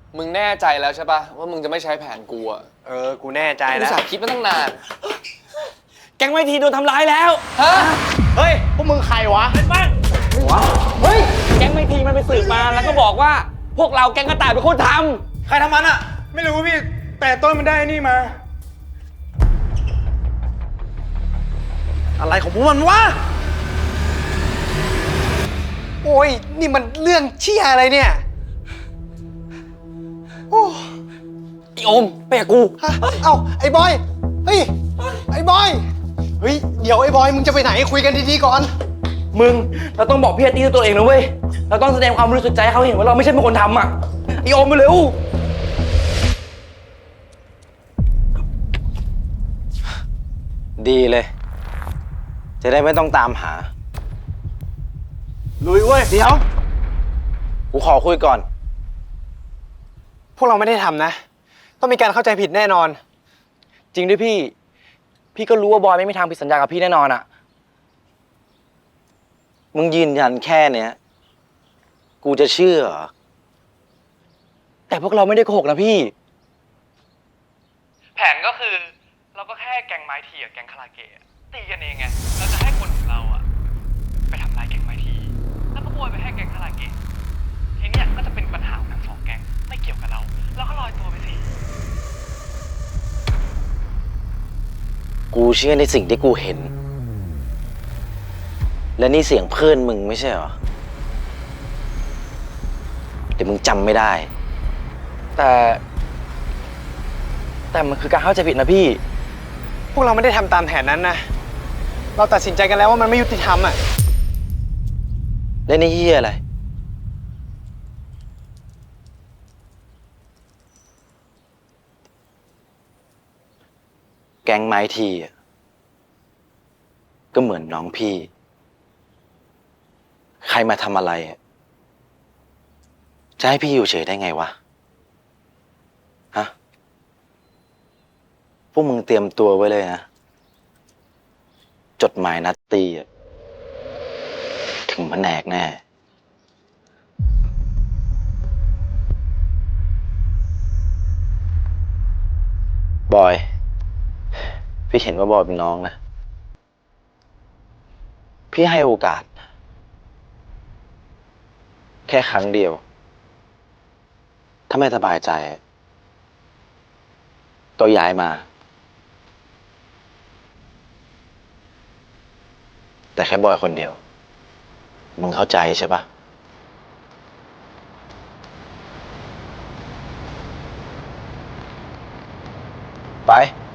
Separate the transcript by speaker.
Speaker 1: มึงแน่ใจแล้วใช่ปะว่ามึงจะไม่ใช้แผนกูอะ
Speaker 2: กูแน่ใจ
Speaker 1: กู
Speaker 2: แล้ว
Speaker 1: สาคิดมาตั้งนาน
Speaker 3: แก๊งไวทีโดนทำร้ายแล้ว
Speaker 1: ฮะ
Speaker 2: เฮ้ย พวกมึงใครวะ
Speaker 3: เป็นบ้างเฮ้ย แก๊งไวทีมันไปสืบมาแล้วก็บอกว่า พวกเราแก๊งกระต่ายเป็นคนท
Speaker 2: ใครทำมันอะไม่รู้พี่ แต่ต้นมันได้นี่มา อะไรของพวกมันวะ โอ้ย นี่มันเรื่องเชี่ยอะไรเนี่ย โอ้
Speaker 3: ำไอโอมไปกับกู
Speaker 2: ฮะเอ้า ไอ้บอย เฮ้ย ไอ้บอย เฮ้ย เดี๋ยวไอ้บอย มึงจะไปไหนคุยกันดีๆก่อน
Speaker 3: มึง เราต้องบอกพี่อาร์ตี้ด้วยตัวเองนะเว้ย เราต้องแสดงความบริสุทธิ์ใจให้เขาเห็นว่าเราไม่ใช่เป็นคนทำอ่ะไอโอมไปเร็ว
Speaker 4: ดีเลย จะได้ไม่ต้องตามหา
Speaker 2: ลุยเว้ย
Speaker 4: เดี๋ยว กูขอคุยก่อน
Speaker 2: พวกเราไม่ได้ทำนะ ต้องมีการเข้าใจผิดแน่นอน
Speaker 3: จริงด้วยพี่ พี่ก็รู้ว่าบอยไม่มีทางผิดสัญญากับพี่แน่นอนอ่ะ
Speaker 4: มึงยืนยันแค่เนี้ย กูจะเชื่อเหรอ
Speaker 3: แต่พวกเราไม่ได้โกหกนะพี่ แผนก็คือเราก็แค่แก๊งไม้ทีกับแก๊งคาราเกะตีกันเองไง เราจะให้คนของเราอะไปทำลายแก๊งไม้ที แล้วก็โบยไปให้แก๊งคาราเกะทีเนี้ยก็จะเป็นปัญหาของทั้งสองแก๊งไม่เกี่ยวกับเรา แล้วก็ลอยตัวไปสิ
Speaker 4: กูเชื่อในสิ่งที่กูเห็น และนี่เสียงเพื่อนมึงไม่ใช่เหรอ เดี๋ยวมึงจำไม่ได้
Speaker 3: แต่มันคือการเข้าใจผิดนะพี่
Speaker 2: พวกเราไม่ได้ทำตามแผนนั้นนะ เราตัดสินใจกันแล้วว่ามันไม่ยุติธรรมอ่ะ
Speaker 4: และนี่เฮียอะไร แก๊งไม้ทีอะก็เหมือนน้องพี่ ใครมาทำอะไรอะจะให้พี่อยู่เฉยได้ไงวะ ฮะ พวกมึงเตรียมตัวไว้เลยนะ จดหมายนัดตีอะถึงแผนกแน่ บอย พี่เห็นว่าบอยเป็นน้องนะ พี่ให้โอกาส แค่ครั้งเดียว ถ้าไม่สบายใจ ก็ย้ายมา แต่แค่บอยคนเดียว มึงเข้าใจใช่ปะไป